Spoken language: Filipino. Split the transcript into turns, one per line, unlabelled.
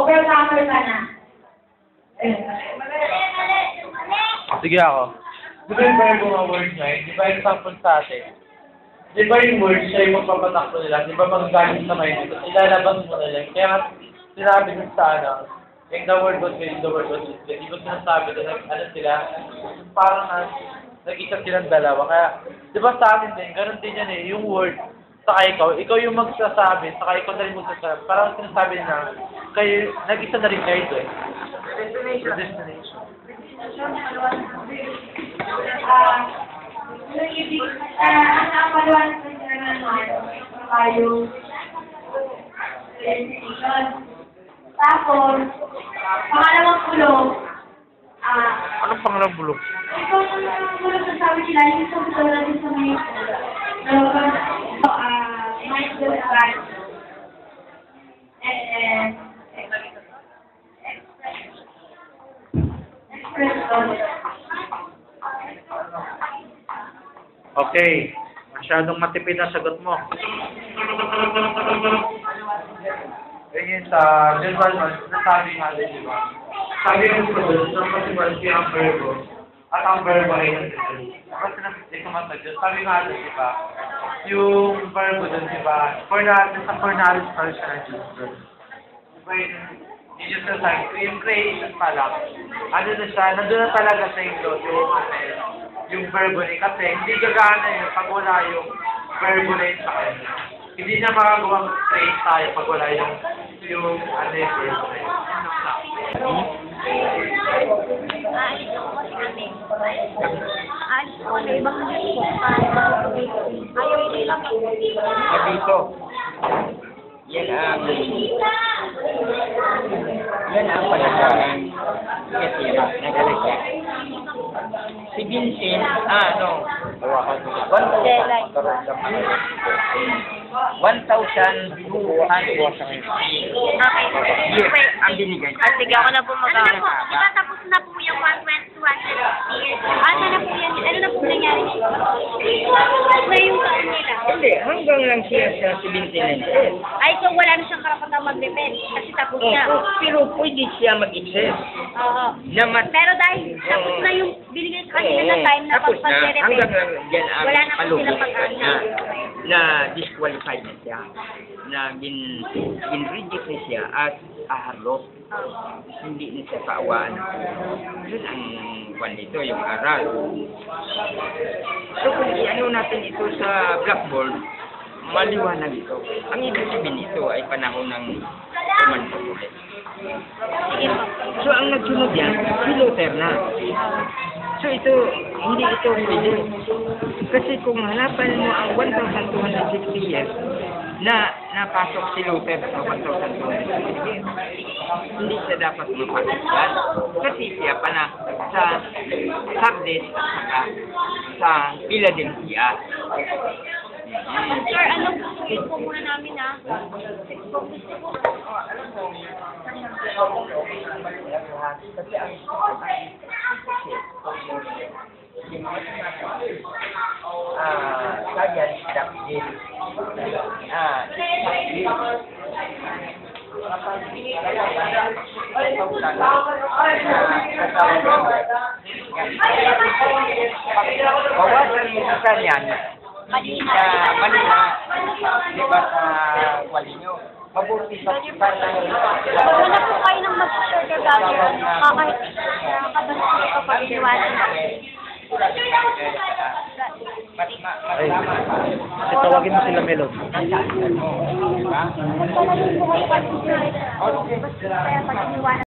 Overcomer ka na.
Sige ako. Di ba yung verbo nga word na yun? Di ba yung sample sa atin? Di ba yung word siya yung magpapatakbo nila? Di ba magaling sa mind? Ilalabas mo nila. Kaya sinabi nyo sa ano, yung the word was good, the word was good. Di ba sinasabi na ano sila? Parang nag-isip silang dalawa. Kaya, di ba sa amin din, ganun din yan eh, yung word, saka ikaw yung magsasabi, saka ikaw na rin magsasabi. Parang sinasabi na, kayo, nag-isa na rin kayo eh. Destination.
Ang paliwanag ng yung destination. Tapos, pangalawang kulong,
Anong pangalang bulok?
ito ang kulong sa sabi sila, yung sa gusto natin sa mga mindful advice. And express.
Okay. Masyadong matipid ang sagot mo. Ganyan sa general one, nasabi nga din, di ba? Sabi ng produce, ng possibility ang verbo, at ang verbo ay nandito. Kasi hindi ko matagyo. Sabi nga din, di ba? Yung verbo dun, di ba? Sa fornalis person, di ba yun? Yung sa yung creation pa lang. Ano na siya, nandun na talaga sa English yung verbo niya. Kasi hindi gagana yun pag wala yung verbo na yun sa kanya. Hindi niya makagawang create tayo pag wala yung ano yung verbo na yun.
Dito. Yan ang panagalan katira, nagalagya. Si Vincent, hawakan mo. 1,250 years ang binigay.
Sige, ako na po mag-aaral.
Diba tapos na po yung 120 years? Ano na po yan? Ano na po nangyari? Na yung taon nila.
Hindi, hanggang lang siya sa 79.
Ay, so wala na siyang karapatang mag-depend kasi tapos na.
Pero pwede siya mag-exist.
Oo. Pero dahil tapos na yung binigay sa kanila na time na
tapos na, hanggang
pag-depend,
lang yan ang
wala na po
palugod
silang pag-asa.
na disqualified na siya, na gin-reject na siya at aharlot. Hindi na siya kaawaan. Yun ang kwan nito, yung aral. So kung i-ano natin ito sa blackboard, maliwanag ito. Ang ibig sabihin nito ay panahon ng Roman Catholic. So ang nagsunod yan, si Luther na. So ito, hindi ito pwede. Kasi kung hanapan mo ang 1,260 years na napasok si Luther sa 1,260 years, hindi siya dapat mapasok yan. Kasi siya pa na sa Sardes at saka sa Philadelphia.
Sir, anong gusto po muna namin
Kasi ang kaya dapil bawasan mo sa yan
Malina.
Malina, di ba sa wali nyo? Mabuti sa
Wala po kayo nang mag-share kagaya. Kakabas ko kapag iniwanan namin.
Ay, tawagin mo sila Melon.
Kaya pag iniwanan